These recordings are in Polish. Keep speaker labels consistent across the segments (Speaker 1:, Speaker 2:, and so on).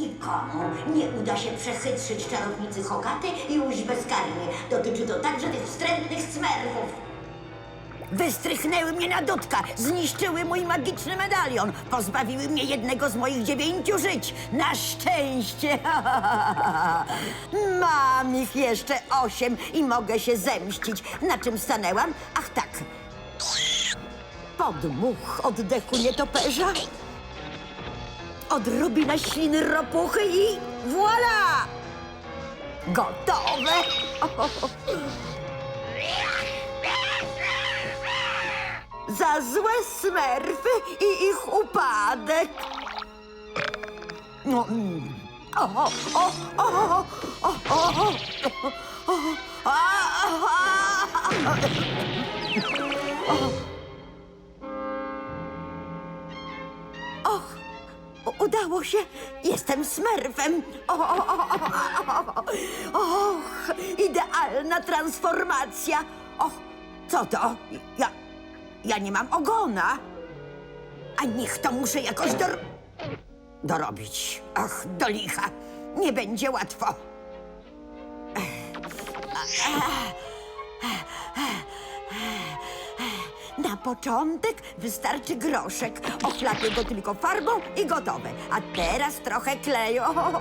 Speaker 1: nikomu nie uda się przechytrzyć czarownicy Hogaty i ujść bezkarnie. Dotyczy to także tych wstrętnych smerfów. Wystrychnęły mnie na dudka, zniszczyły mój magiczny medalion, pozbawiły mnie jednego z moich 9 żyć. Na szczęście! Mam ich jeszcze 8 i mogę się zemścić. Na czym stanęłam? Ach tak. Podmuch oddechu nietoperza. Odrobina śliny ropuchy i voilà! Gotowe! Za złe smerfy i ich upadek. No, udało się. Jestem smerfem. Och, idealna transformacja. Och, co to? Ja nie mam ogona. A niech to muszę jakoś dorobić. Ach, do licha. Nie będzie łatwo. Na początek wystarczy groszek. Ochlapię go tylko farbą i gotowe. A teraz trochę kleju.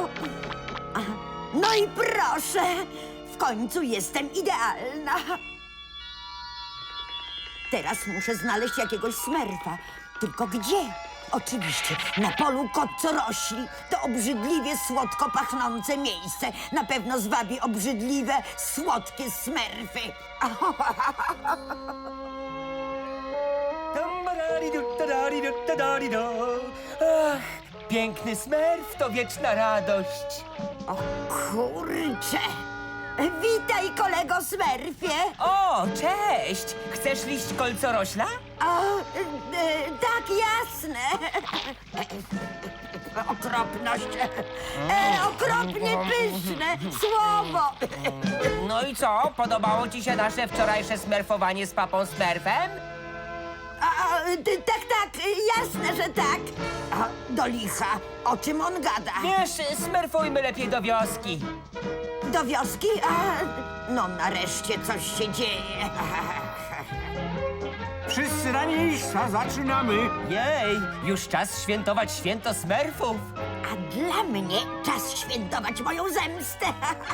Speaker 1: No i proszę. W końcu jestem idealna. Teraz muszę znaleźć jakiegoś smerfa. Tylko gdzie? Oczywiście, na polu kocorośli. To obrzydliwie słodko pachnące miejsce. Na pewno zwabi obrzydliwe, słodkie smerfy.
Speaker 2: Ach, piękny smerf to wieczna radość.
Speaker 1: O kurcze! Witaj, kolego smerfie!
Speaker 2: O, cześć! Chcesz liść kolcorośla?
Speaker 1: Tak, jasne. Okropność. Okropnie pyszne słowo.
Speaker 2: No i co? Podobało ci się nasze wczorajsze smerfowanie z papą Smurfem?
Speaker 1: Tak, jasne, że tak. Do licha, o czym on gada?
Speaker 2: Wiesz, smerfujmy lepiej do wioski.
Speaker 1: Do wioski? No nareszcie coś się dzieje.
Speaker 3: Wszyscy na miejsca, zaczynamy.
Speaker 2: Jej, już czas świętować święto smerfów.
Speaker 1: A dla mnie czas świętować moją zemstę.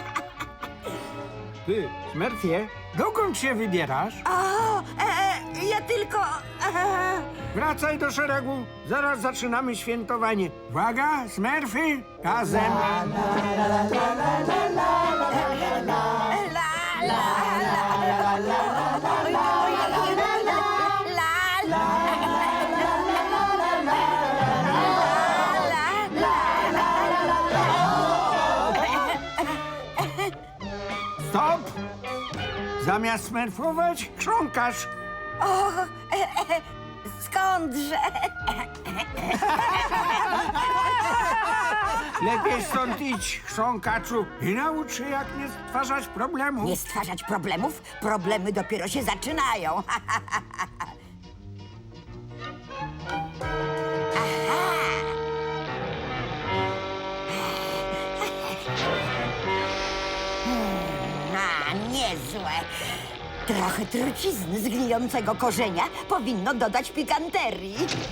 Speaker 3: Ty, Smerfie, dokąd się wybierasz?
Speaker 1: Ja tylko...
Speaker 3: Wracaj do szeregu, zaraz zaczynamy świętowanie. Uwaga, Smerfy, razem. Stop! Zamiast smerfować, chrząkasz.
Speaker 1: Skądże?
Speaker 3: Lepiej stąd idź, chrząkaczu, i naucz się, jak nie stwarzać problemów.
Speaker 1: Nie stwarzać problemów? Problemy dopiero się zaczynają. Niezłe. Trochę trucizny z gnijącego korzenia powinno dodać pikanterii.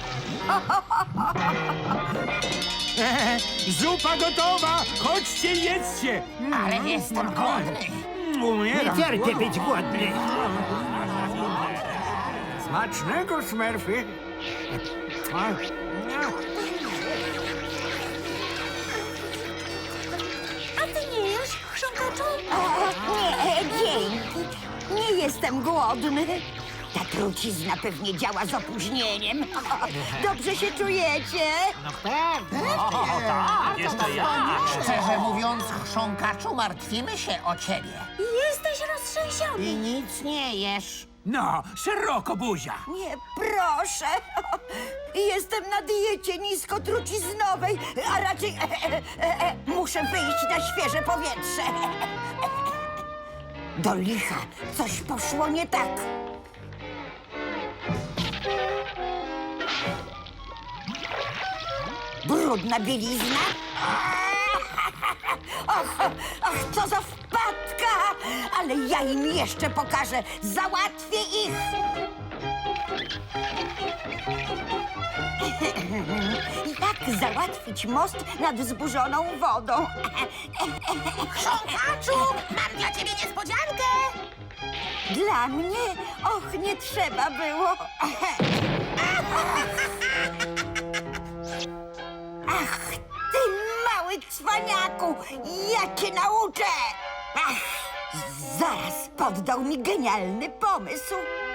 Speaker 3: Zupa gotowa! Chodźcie, jedzcie!
Speaker 4: Ale jestem głodny.
Speaker 3: Umieram. Nie cierpię być głodny. Smacznego, Smerfy.
Speaker 1: A ty nie jesz, chrząkaczu? Nie, dzięki. Nie jestem głodny. Ta trucizna pewnie działa z opóźnieniem. Dobrze się czujecie?
Speaker 4: Szczerze mówiąc, chrząkaczu, martwimy się o ciebie.
Speaker 1: Jesteś roztrzęsiony.
Speaker 4: I nic nie jesz.
Speaker 3: No, szeroko buzia.
Speaker 1: Nie, proszę. Jestem na diecie niskotruciznowej, a raczej muszę wyjść na świeże powietrze. Do licha, coś poszło nie tak. Brudna bielizna? Ach, co za wpadka! Ale ja im jeszcze pokażę. Załatwię ich. Jak załatwić most nad wzburzoną wodą?
Speaker 4: Chrząkaczu, mam dla ciebie niespodziankę!
Speaker 1: Dla mnie? Och, nie trzeba było. Ach, ty mały cwaniaku, ja cię nauczę! Ach, zaraz poddał mi genialny pomysł.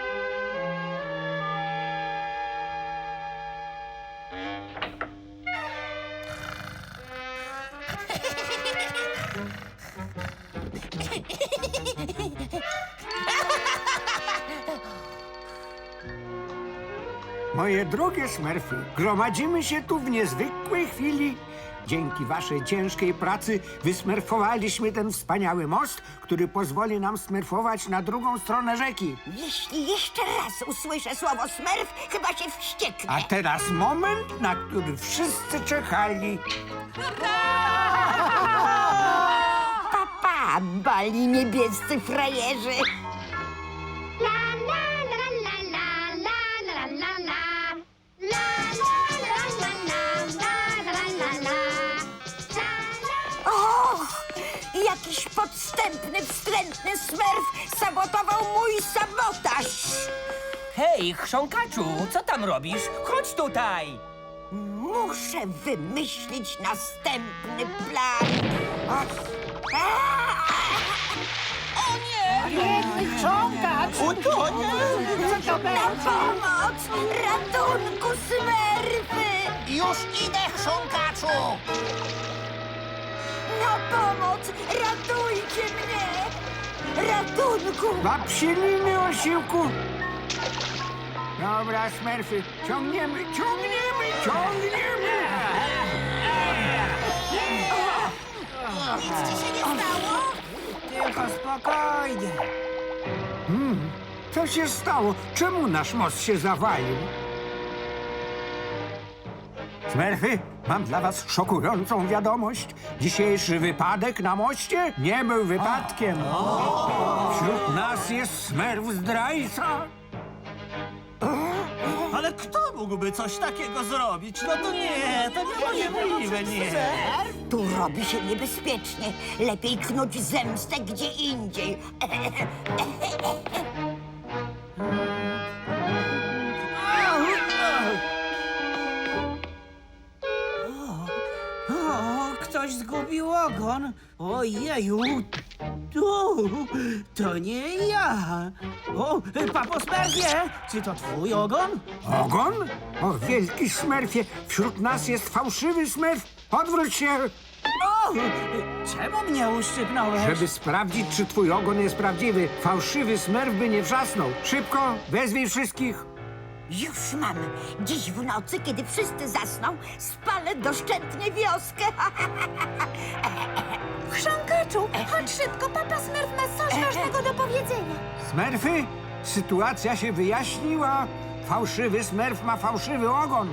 Speaker 3: Moje drogie smerfy, gromadzimy się tu w niezwykłej chwili. Dzięki waszej ciężkiej pracy wysmerfowaliśmy ten wspaniały most, który pozwoli nam smerfować na drugą stronę rzeki.
Speaker 1: Jeśli jeszcze raz usłyszę słowo smerf, chyba się wścieknę.
Speaker 3: A teraz moment, na który wszyscy czekali.
Speaker 1: Papa, bali niebiescy frajerzy. Och, jakiś podstępny, wstrętny smerf sabotował mój sabotaż.
Speaker 2: Hej, chrząkaczu, co tam robisz? Chodź tutaj!
Speaker 1: Muszę wymyślić następny plan. O nie!
Speaker 4: Biedny chrząkacz!
Speaker 1: Na pomoc! Ratunku, smerfy!
Speaker 4: Już idę, chrząkaczu!
Speaker 1: Na pomoc! Ratujcie mnie! Ratunku!
Speaker 3: Na psiliny osiłku. Dobra, smerfy, ciągniemy.
Speaker 4: Nic ci się nie stało?
Speaker 3: Tylko spokojnie. Co się stało? Czemu nasz most się zawalił? Smerfy, mam dla was szokującą wiadomość. Dzisiejszy wypadek na moście nie był wypadkiem. Wśród nas jest smerf zdrajca.
Speaker 5: Ale kto mógłby coś takiego zrobić? No to nie, to niemożliwe, nie.
Speaker 1: Tu robi się niebezpiecznie. Lepiej knuć zemstę gdzie indziej.
Speaker 5: O, ktoś zgubił ogon. Ojeju. Tu, to nie ja. O, papo Smerfie, czy to twój ogon?
Speaker 3: Ogon? O, wielki smerfie, wśród nas jest fałszywy smerf. Odwróć się,
Speaker 5: O, czemu mnie uszczypnąłeś?
Speaker 3: żeby sprawdzić, czy twój ogon jest prawdziwy. Fałszywy smerf by nie wrzasnął. Szybko, wezwij wszystkich.
Speaker 1: Już mam. Dziś w nocy, kiedy wszyscy zasną, spalę doszczętnie wioskę.
Speaker 6: Chrząkaczu, chodź szybko, papa Smurf ma coś ważnego do powiedzenia.
Speaker 3: Smerfy, sytuacja się wyjaśniła. Fałszywy smerf ma fałszywy ogon.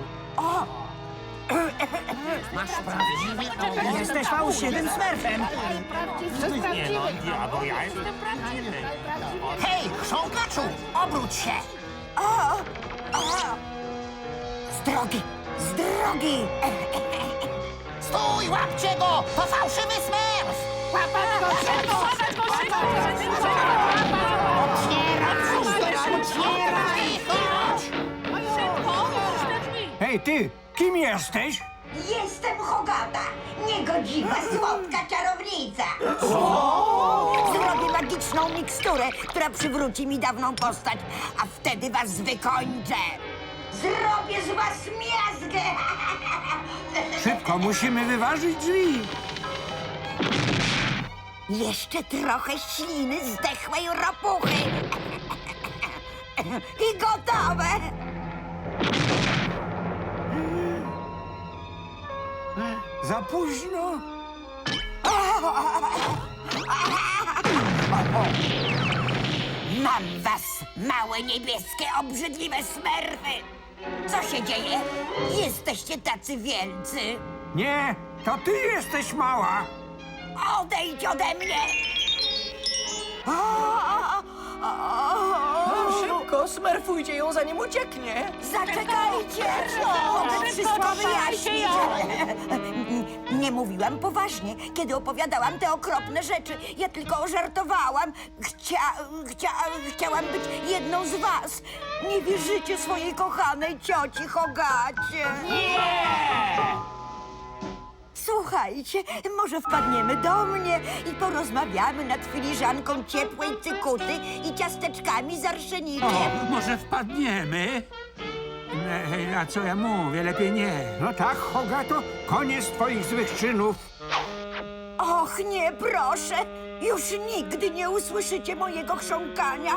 Speaker 5: Jesteś fałszywym Smurfem.
Speaker 4: Hej, chrząkaczu, obróć się!
Speaker 1: Z drogi! Z drogi!
Speaker 4: Stój, łapcie go! To fałszywy Smurf! Łapać go szybko! Otwieraj! Chodź!
Speaker 3: Hej, ty, kim jesteś?
Speaker 1: Jestem Hogata, niegodziwa, słodka czarownica. Zrobię magiczną miksturę, która przywróci mi dawną postać, a wtedy was wykończę. Zrobię z was miazgę.
Speaker 3: Szybko, musimy wyważyć drzwi.
Speaker 1: Jeszcze trochę śliny zdechłej ropuchy. I gotowe.
Speaker 3: Za późno.
Speaker 1: Mam was, małe niebieskie, obrzydliwe smerfy. Co się dzieje? Jesteście tacy wielcy.
Speaker 3: Nie, to ty jesteś mała.
Speaker 1: Odejdź ode mnie!
Speaker 2: Szybko, smerfujcie ją, zanim ucieknie.
Speaker 1: Zaczekajcie! Mogę wszystko wyjaśnić. Nie mówiłam poważnie, kiedy opowiadałam te okropne rzeczy. Ja tylko żartowałam. Chciałam być jedną z was. Nie wierzycie swojej kochanej cioci Hogacie. Słuchajcie, może wpadniemy do mnie i porozmawiamy nad filiżanką ciepłej cykuty i ciasteczkami z arszenikiem.
Speaker 7: Może wpadniemy? A co ja mówię? Lepiej nie.
Speaker 3: No tak, Hogato, koniec twoich złych czynów.
Speaker 1: Och, nie, proszę! Już nigdy nie usłyszycie mojego chrząkania.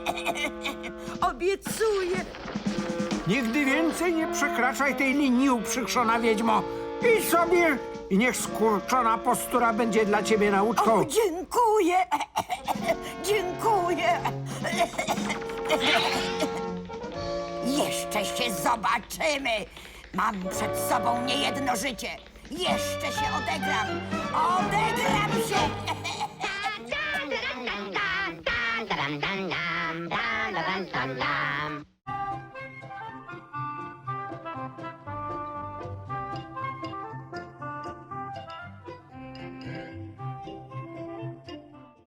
Speaker 1: Obiecuję.
Speaker 3: Nigdy więcej nie przekraczaj tej linii, uprzykrzona wiedźmo. Idź sobie i niech skurczona postura będzie dla ciebie nauczką.
Speaker 1: O, dziękuję. Dziękuję. Jeszcze się zobaczymy. Mam przed sobą niejedno życie. Jeszcze się odegram. Odegram się.
Speaker 6: Dun, dun, dun, dun, dun, dun, dun, dun, dun, dun, dun, dun.